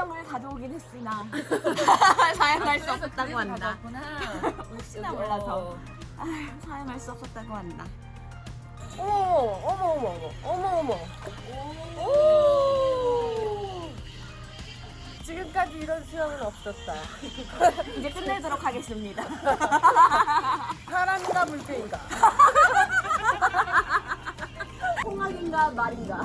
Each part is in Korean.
물병을 가져오긴 했으나 사용할 수 없었다고 한다. 혹시나 몰라서 사용할 수 없었다고 한다. 어머. 오. 지금까지 이런 수영은 없었다. 이제 끝내도록 하겠습니다. 사람인가 물개인가? 홍학인가 말인가.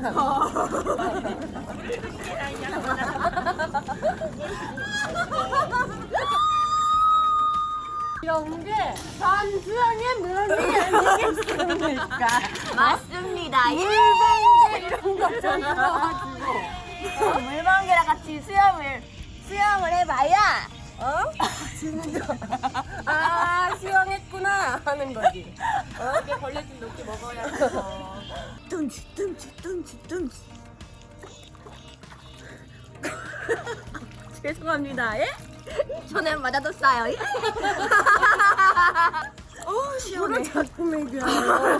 이런 게 단수영의 묘미 아니겠습니까? 맞습니다. 이런 것좀 들어가지고 물방개랑 같이 수영을 해봐야 지는 거. 수영했구나 하는 거지. 이게 벌레 좀 높게 먹어야 해서. 뚱치. 죄송합니다. 예? 손에 맞아뒀어요. 시원해. 자꾸 먹여요.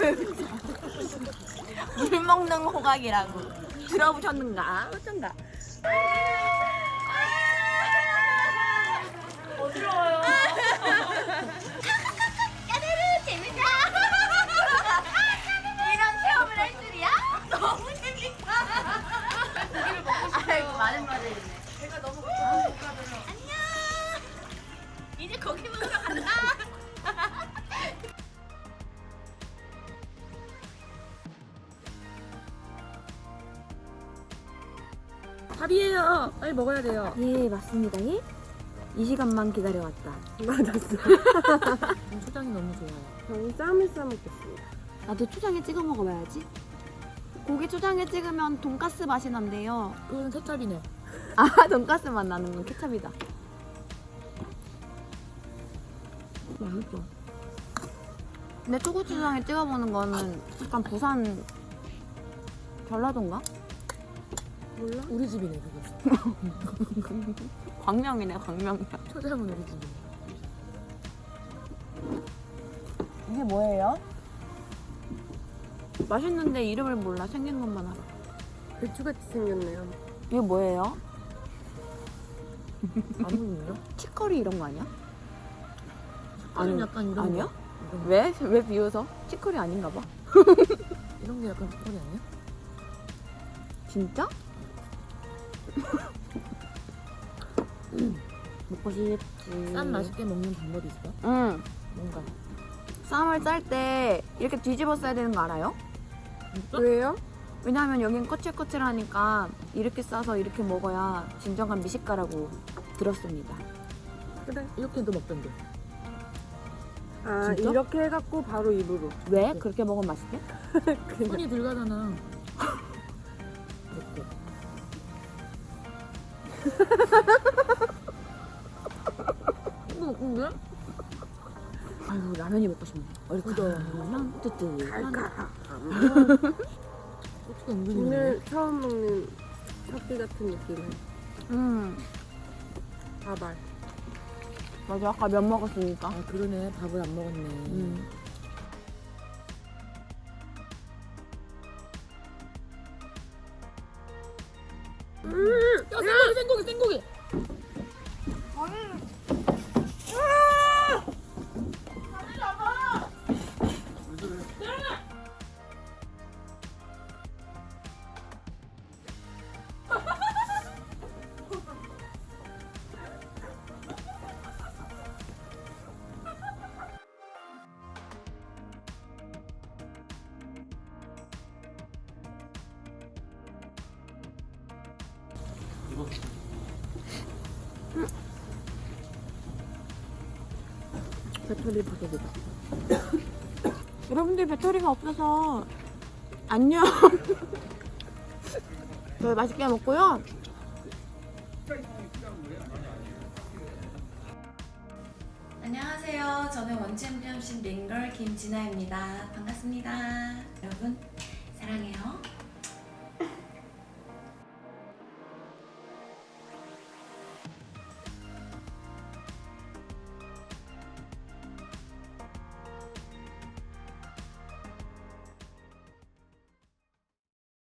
물 먹는 호각이라고 들어보셨는가? 어쩐가? 어지러워요. 까르르 재밌다. 이런 체험을 할 줄이야? 너무 재밌다. 아이고 많은 말을 했네. 제가 너무 고통스럽다. 안녕. 이제 고기 먹으러 간다. 밥이에요. 빨리 먹어야 돼요. 예, 맞습니다. 예? 이 시간만 기다려왔다. 맞았어. 초장이 너무 좋아요. 저는 쌈을 싸 먹겠습니다. 나도 초장에 찍어 먹어봐야지. 고기 초장에 찍으면 돈가스 맛이 난대요. 그건 케찹이네. 아, 돈가스 맛 나는 건 케찹이다. 맛있어. 근데 초고추장에 찍어보는 거는 약간 부산 전라도인가? 몰라? 우리 집이네 그거. 광명이네, 광명이야. 초장은 우리 집이네. 이게 뭐예요? 맛있는데 이름을 몰라. 생긴 것만 알아. 배추같이 생겼네요. 이게 뭐예요? 아무는요? 치커리 이런 거 아니야? 아니 약간 이런 아니야? 거. 이런 거. 왜? 왜 비웃어? 치커리 아닌가 봐. 이런 게 약간 초콜릿 아니야? 진짜? 먹고 싶지. 쌈 맛있게 먹는 방법이 있어? 응. 뭔가. 쌈을 쌀 때 이렇게 뒤집어 써야 되는 거 알아요? 왜요? 왜냐하면 여긴 거칠거칠하니까 이렇게 싸서 이렇게 먹어야 진정한 미식가라고 들었습니다. 그래. 이렇게도 먹던데. 진짜? 이렇게 해갖고 바로 입으로. 왜? 그렇게 먹으면 맛있대? 손이 들어가잖아. 이렇게. 근데? 아이고 라면이 먹고 싶네. 얼큰한 뜨뜻한. 어떻게 은근히 오늘 처음 먹는 삭비 같은 느낌은 밥알. 맞아, 아까 면 먹었으니까. 아 그러네. 밥을 안 먹었네. 야 생고기. 배터리 부족이다. 여러분들 배터리가 없어서 안녕. 저희 맛있게 먹고요. 안녕하세요. 저는 원챔피언십 링걸 김진아입니다. 반갑습니다. 여러분 사랑해요.